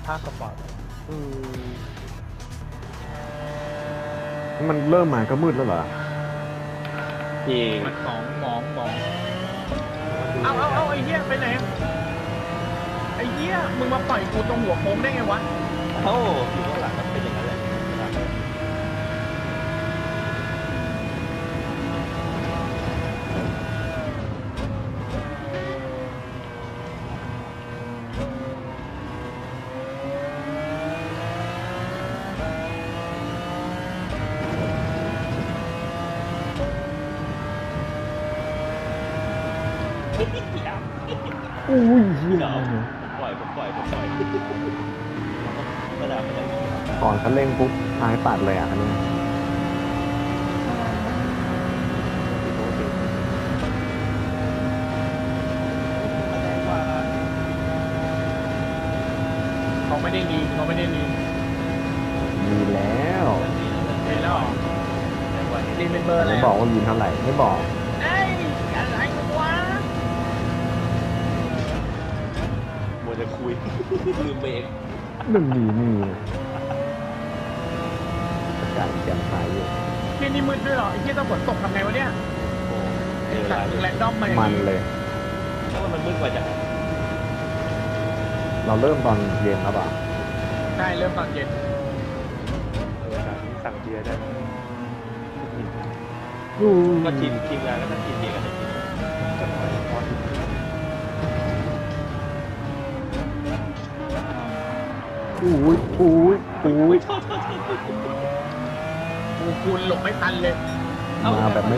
ภาคสปอร์ตอืมันเริ่มมาก็มืดแล้วเหรอจริงมันหมองเอาไอ้เหี้ยไปไหนไอ้เหี้ยมึงมาปล่อยกูตรงหัวโค้งได้ไงวะเอ้าอยู่ข้างหลังมันเป็นอย่างนั้นแหละอุ้ยเหี้ยเดี๋ยวผมปล่อยกระดาษมันยังมีครับก่อนคันเร่งปุ๊บท้ายปัดเลยอ่ะคันนี้แสดงว่าเขาไม่ได้รีมีแล้วมีแล้วเหรอรีเป็นเบอร์อะไรไม่บอกว่ามีเท่าไหร่ไม่บอกเอ้ยอะไรวะมัวจะคุยลืมเบรกมันมีอากาศแจ่มใสอยู่เที่ยนี่มืดด้วยเหรอไอ้เที่ยต้องฝนตกทำไงวะเนี่ยโอ้ไอ้เวสัลาตว์เลมึงแรยนดอมมาอย่างมันนี้เลยเพราะว่ามันมืดกว่าจะเราเริ่มตอนเย็นแล้วป่ะใช่เริ่มตอนเย็นสั่งเบียร์ได้ก็ทีมงานก็ต้องกินเบียร์กันได้กินจะน้อยพอถึงอุ้ยกูคูณหลบไม่ทันเลยมาแบบไม่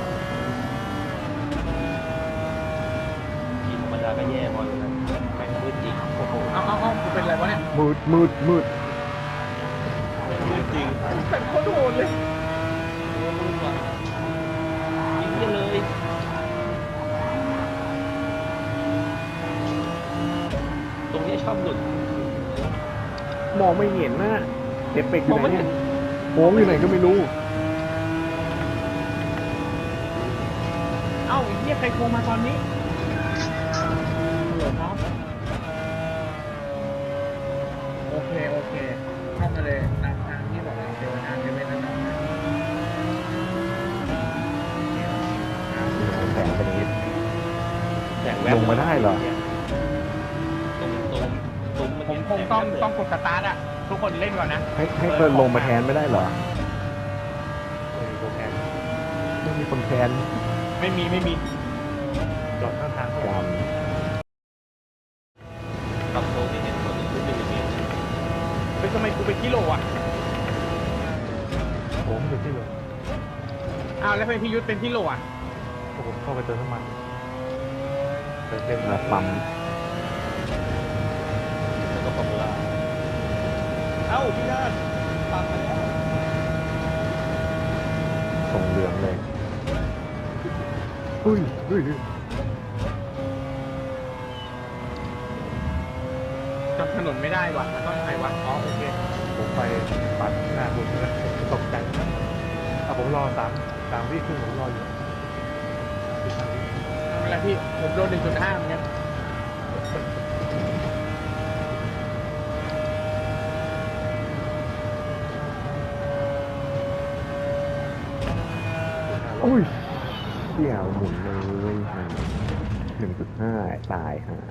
กินธรรมดาก็แย่พออยู่นะแม่งมืดจริงโอ้โหเอากูเป็นอะไรวะเนี่ยมืดมืดจริงเป็นโคตรโหดเลยมืดว่ะยิงกันเลยตรงนี้ชอบหลุดมองไม่เห็นนะเอฟเฟกต์อยู่ไหนเนี่ยโค้งอยู่ไหนก็ไม่รู้เอ้าไอ้เหี้ยใครโทรมาตอนนี้ฮัลโหลครับโอเคเข้ามาเลยตามทางที่บอกเราเจอนะเจอเว้นแล้วนะแสงเป็นอย่างนี้แสงแวบลงมาได้เหรอตรงมันผมคงต้องกดสตาร์ทอ่ะทุกคนเล่นก่อนนะให้เปิดลงมาแทนไม่ได้เหรอโปรแกรมไม่มีคนแทนไม่มีจอดข้างทางกรก็รมกับโตที่เห็นคนอื่นไม่มีเฮ้ยทำไมกูเป็นกิโลอ่ะผมอยู่ที่เลยอ้าวแล้วทำไมพี่ยุทธเป็นกิโลอ่ะผมเข้าไปเติมน้ำมันเติมเต็มแล้วปั๊มแล้วก็ฟอร์มูลาเอ้าพี่นาฏตามมาแล้วส่งเหลืองเลยอุ้ยจำถนนไม่ได้ว่ะมันต้องไหนวะอ๋อโอเคผมไปปัดหน้าคุณนะตกใจผมรอ3 วิครึ่งผมรออยู่เวลาพี่ผมโดน 1.5เหมือนกันอุ้ยเสี่ยวหมุนเลย1.5 ตายฮะ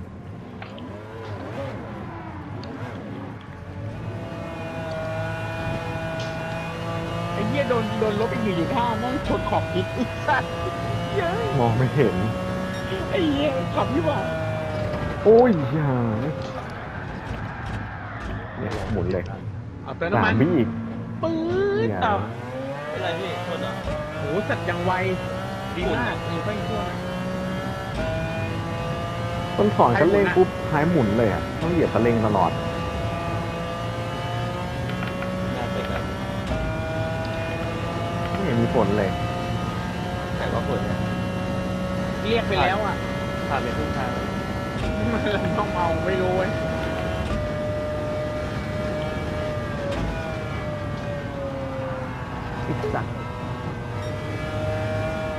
ไอ้เหี้ยโดนลบอีก1.5นั่งชนขอบคิดอีกสัตว์เย้ยมองไม่เห็นไอ้เหี้ยขับที่ว่าโอ้ยอย่าเนี่ยหมุนเลยเอาเติมน้ำมัน 3 วิอีกปื๊ดเนี่ยต่อเป็นไรพี่ชนเหรอโอ้สัตว์ยังไวดีมากอยู่ก็อีกตัวนะต้นถอนคันเร่งปุ๊บท้ายหมุนเลยอ่ะต้องเหยียบคันเร่งตลอดน่าเป็นแบบไม่เห็นมีผลเลยแต่ว่าคนเนี่ยเรียกไปแล้วอ่ะผ่านไปครึ่งทางมันต้องเมาไม่รู้เว้ยอีกสัก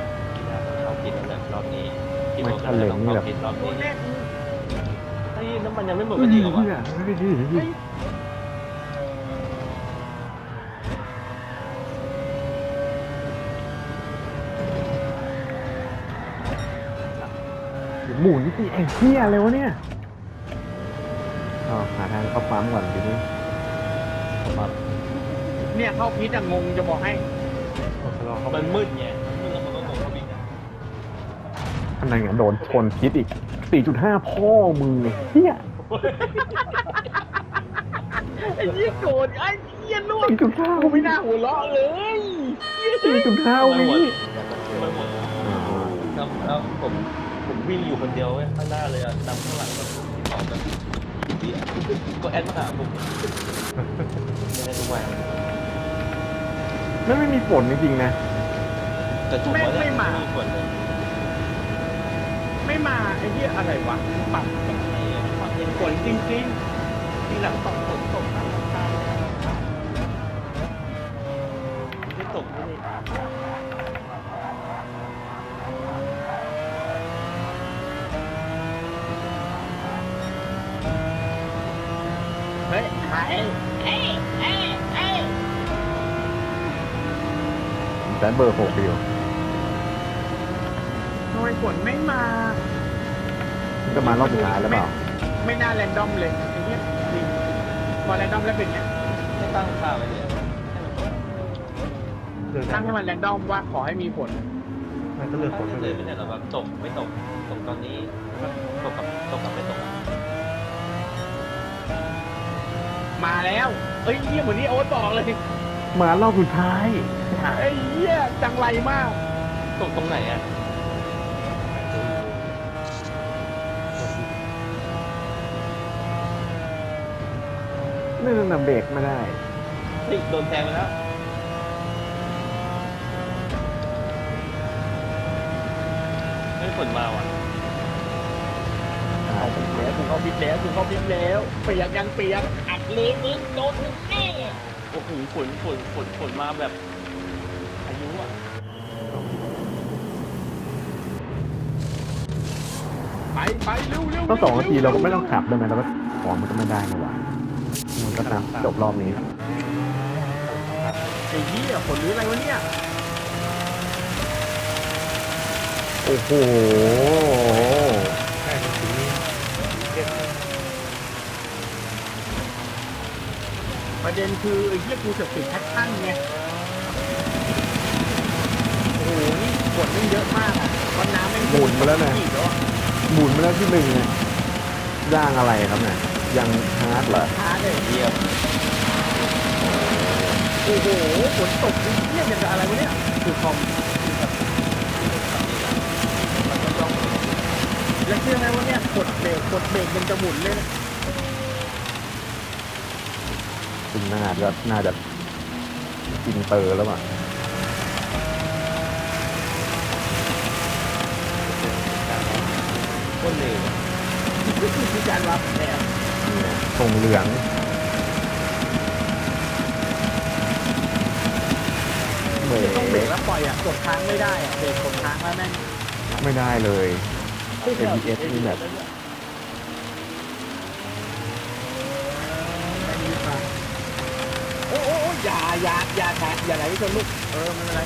เราผิดแล้วแหละรอบนี้ไม่ทะเลนี่แบบผิดรอบโอ้นี้แน่ไอ้น้ำมันมันยังไม่หมดเฮ้กัยนดีกว่าเหี้ยเฮ้ยหมุนสิไอ้เหี้ยอะไรวะเนี่ยหาทางเข้าปั๊มก่อนทีนี้เข้าปั๊มเนี่ยเข้าพิษอะงงจะบอกให้ผมชะลอเขามันมืดไงมืดแล้วมันก็งงเขาวิ่งอะอันนั้นไงโดนชนพิษอีก 4.5 พ่อมึงเหี้ยไอ้เหี้ยโกรธไอ้เหี้ยล่วง 4.5 กูไม่น่าหัวเราะเลย 4.5 วิไม่หมดแล้วผมวิ่งอยู่คนเดียวเว้ยข้างหน้าเลยอะนำข้างหลังแบบที่ต่อแบบที่ก็แอดมาหาผมไม่ได้ทุกวันไม่มีฝนจริงๆนะแต่จุกว่าเนี่ยมีฝนเลยไม่มาไอ้เหี้ยอะไรวะปรับไอ้ความเย็นฝนจริงๆทีหลังต้องฝนตกน้ำตาไม่ตกไม่ได้เฮ้ยหายเอ้ยแซนเบอร์6อยู่ทำไมฝนไม่มามันจะมารอบสุดท้ายแล้วเปล่าไม่น่าแรนดอมเลยไอ้เหี้ยจริงพอแรนดอมแล้วเป็นไงไม่ตั้งค่าไว้เลยให้มันตกเดินตั้งให้มันแรนดอมว่าขอให้มีฝนมันก็เลือกตั้คนงไปเลเลย ยไม่ใช่หรอแบบตกไม่ตกตกตอนนี้แล้วก็ตกกับไม่ตกอะมาแล้วเอ้ยเหี้ยเหมือนที่โอ๊ตบอกเลยมารอบสุดท้ายไอ้เหี้ยจังไรมากตกตรงไหนอ่ะนั่นน่ะเบรกไม่ได้เฮ้ยโดนแทงไปแล้วไม่ฝนมาว่ะเอาพิษแล้วกูเข้าพิษแล้วกูเข้าพิษแล้วเปียกยังเปียกอัดเลยมึงโดนมึงแน่โอ้โหฝนมาแบบอายุอ่ะไปเร็วต้อง2 นาทีเราก็ไม่ต้องขับได้ไหมเราก็ของมันก็ไม่ได้นะวะมันก็นะจบรอบนี้ไอ้เหี้ยฝนหรืออะไรวะเนี่ยโอ้โหแค่สีเอ็ดประเด็นคือไอ้เหี้ยกูเสือกติดแพทชั่นไงโอ้โหนี่ฝนมันเยอะมากอ่ะตอนน้ำแม่งหมุนมาแล้วนะอีกแล้วอะหมุนมาแล้วที่หนึ่งเนี่ยย่างอะไรครับเนี่ยยังฮาร์ดเหรอช้าเลยเยี่ยมโอ้โหฝนตกไอ้เหี้ยอย่างกับอะไรวะเนี่ยคือคอมแล้วเชื่อไหมว่าเนี่ยกดเบรกมันจะหมุนเลยนะซึ่งน่าจะอินเตอร์แล้วอ่ะคนเร็วนี่คือการรับแนวส่งเหลืองเบรต้องเบรกกแล้วปล่อยอ่ะกดค้างไม่ได้อ่ะเบรกกดค้างแล้วแม่งไม่ได้เลย ABS นี่แบบโอ้อย่าไหลชนลูกไม่เป็นไร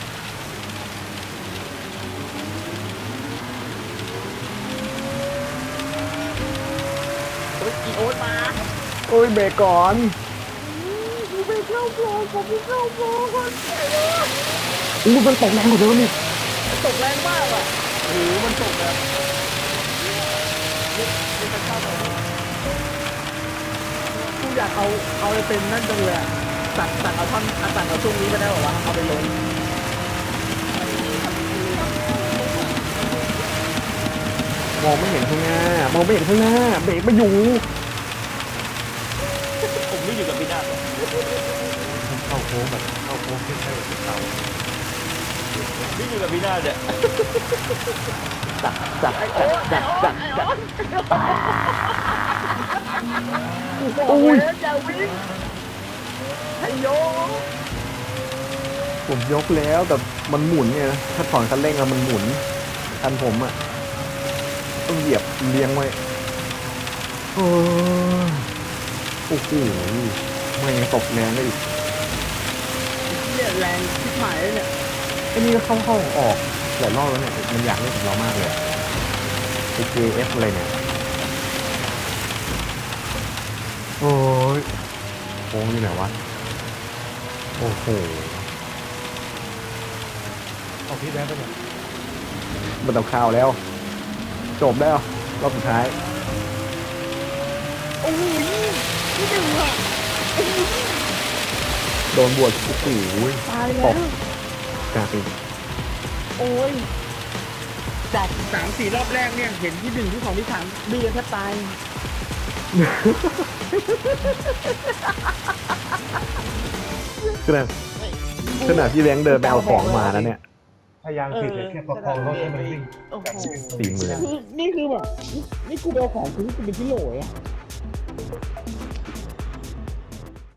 โอ๊ยอีโอ๊ตมาโอ้ยเบรกก่อนกูไปเข้าโปรผมไปเข้าโปรก่อนอู้มันตกแรงกว่าเดิมนี่ตกแรงมากอ่ะโอ้โหมันตกแบบนี่มันเข้าไปกูอยากเอาไปเป็นนั่นจังเลยอะตัดเอาท่อนตัดเอาช่วงนี้ไปได้หรอวะเอาไปลงมองไม่เห็นข้างหน้ามองไม่เห็นข้างหน้าเบรกไม่อยู่ผมไม่อยู่กับพี่นาฏหรอกเข้าโค้งแบบเข้าโค้งขึ้นใช่แบบเต่าไม่อยู่กับพี่นาฏเนี่ยจัดโอ้ยอย่าวิ่งให้โยผมยกแล้วแต่มันหมุนไงนะถ้าถอนคันเร่งแล้วมันหมุนคันผมอ่ะต้องเหยียบเลี้ยงไว้โอ้โอ้โหไม่ยังตกแรงได้อีกเนี่ยแรงที่หายเลยเนี่ยไอ้นี่ก็เข้าออกหลายรอบแล้วเนี่ยมันอยากเล่นกับเรามากเลยไอ้ JF อะไรเนี่ยโอ้ยโค้งอยู่ไหนวะโอ้โหเอาพี่แบงค์ไปหมดมันต้องข่าวแล้ว จบแล้วรอบสุดท้ายโอ้ยนี่ดึงอ่ะโดนบวชโอ้โหตายตแล้วกกลายเป็นโอ้ยจาก3-4 รอบแรกเนี่ยเห็นที่1ที่2ที่3ดื้อแทบตายขนาดที่แบงค์เดินไปเอาของมาแล้วเนี่ยพยายามผิดเลยแค่ประคองรถให้มันวิ่งโอ้โห 40,000 คือนี่คือแบบนี่กูไปเอาของคือกูเป็นที่โหลอะ